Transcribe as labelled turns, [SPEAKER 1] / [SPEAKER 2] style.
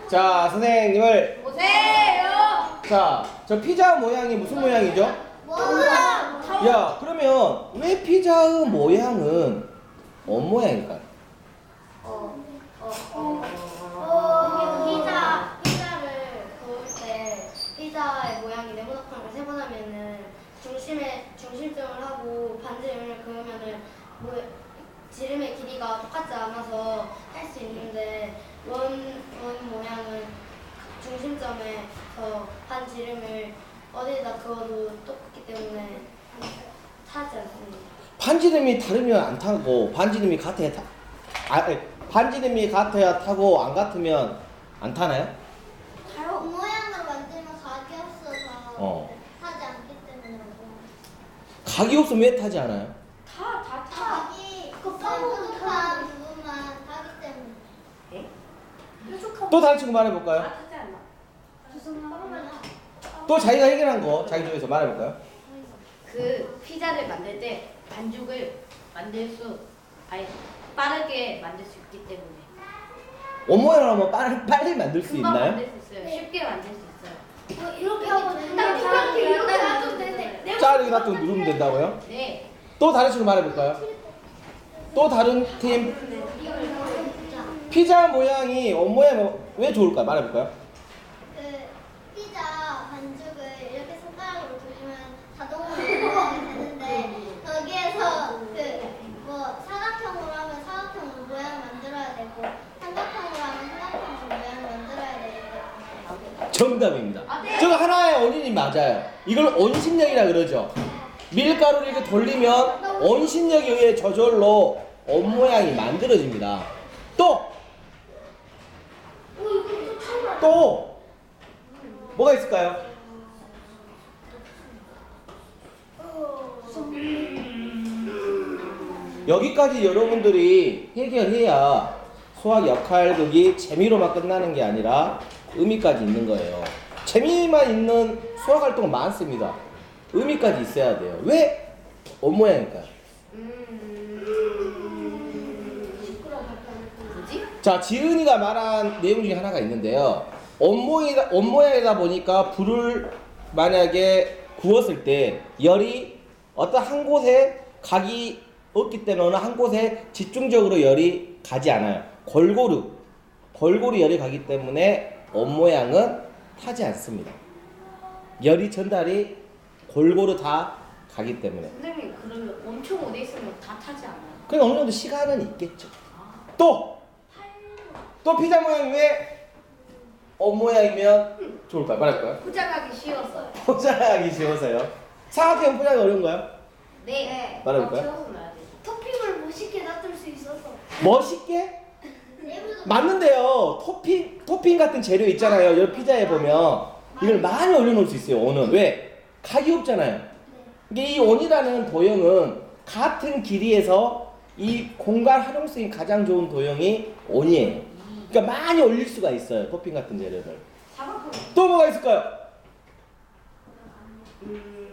[SPEAKER 1] 자, 선생님을
[SPEAKER 2] 오세요.
[SPEAKER 1] 자, 저 피자 모양이 무슨 모양이죠? 야, 그러면 왜 피자의 모양은 뭔 모양일까요?
[SPEAKER 2] 피자를 구울 때 피자의 모양이 네모나게 세분하면은 중심점을 하고 반지름을 그으면은 지름의 길이가 똑같지 않아서 할 수 있는데 원 모양은 중심점에서 반지름을 어디에다 그어도 똑같기 때문에 타지 않습니다.
[SPEAKER 1] 반지름이 다르면 안 타고 반지름이 같아야 반지름이 같아야 타고 안 같으면 안 타나요?
[SPEAKER 3] 모양으로 만들면 각이 없어서 타지 않기 때문에
[SPEAKER 1] 각이 없으면 왜 타지 않아요?
[SPEAKER 3] 각이 뾰족한 부분만 타기 때문에.
[SPEAKER 1] 또 다른 친구 말해볼까요? 또 자기가 해결한 거 자기 중에서 말해볼까요?
[SPEAKER 4] 그 피자를 만들 때 반죽을 빠르게 만들 수 있기 때문에.
[SPEAKER 1] 원 모양을 하면 빨리 만들 수
[SPEAKER 4] 금방
[SPEAKER 1] 있나요?
[SPEAKER 4] 만들 수 있어요. 쉽게 만들 수 있어요.
[SPEAKER 2] 이렇게 하고 이렇게 놔두면 되는데
[SPEAKER 1] 자르게 놔두고 누르면 된다고요?
[SPEAKER 4] 네.
[SPEAKER 1] 또 다른 친구 말해볼까요? 또 다른 팀 피자 모양이 원 모양 왜 좋을까요? 말해볼까요?
[SPEAKER 3] 그 피자 반죽을 이렇게 손가락으로 돌리면 자동으로 모양이 되는데 거기에서 사각형으로 하면 사각형으로 모양 만들어야 되고 삼각형으로 하면 삼각형으로 모양 만들어야 되고.
[SPEAKER 1] 정답입니다. 저거 하나의 원인이 맞아요. 이걸 원심력이라 그러죠. 밀가루를 이렇게 돌리면 원심력에 의해 저절로 원 모양이 만들어집니다. 또 뭐가 있을까요? 여기까지 여러분들이 해결해야 수학 역할극이 재미로만 끝나는 게 아니라 의미까지 있는 거예요. 재미만 있는 수학 활동은 많습니다. 의미까지 있어야 돼요. 왜? 원 모양일까요?
[SPEAKER 4] 뭐지?
[SPEAKER 1] 자, 지은이가 말한 내용 중에 하나가 있는데요. 원 모양이다 보니까 불을 만약에 구웠을 때 열이 어떤 한 곳에 각이 없기 때문에 어느 한 곳에 집중적으로 열이 가지 않아요. 골고루 열이 가기 때문에 원 모양은 타지 않습니다. 열이 전달이 골고루 다 가기 때문에.
[SPEAKER 4] 선생님 그러면 엄청 오래 있으면 다 타지 않아요?
[SPEAKER 1] 그냥 어느 정도 시간은 있겠죠. 또 피자 모양이 왜 원 모양이면 좋을까요? 말할까요?
[SPEAKER 4] 포장하기 쉬웠어요.
[SPEAKER 1] 포장하기 쉬워서요. 사각형 포장이 어려운가요?
[SPEAKER 4] 네.
[SPEAKER 1] 말해볼까요?
[SPEAKER 4] 채워서 놔야 돼요.
[SPEAKER 2] 토핑을 멋있게 놔둘 수 있어서
[SPEAKER 1] 멋있게? 맞는데요. 토핑 같은 재료 있잖아요. 여기 피자에 보면 이걸 많이 올려놓을 수 있어요. 원은 왜? 각이 없잖아요. 이게 이 원이라는 도형은 같은 길이에서 이 공간 활용성이 가장 좋은 도형이 원이에요. 그러니까 많이 올릴 수가 있어요. 토핑 같은 재료를. 또 뭐가 있을까요?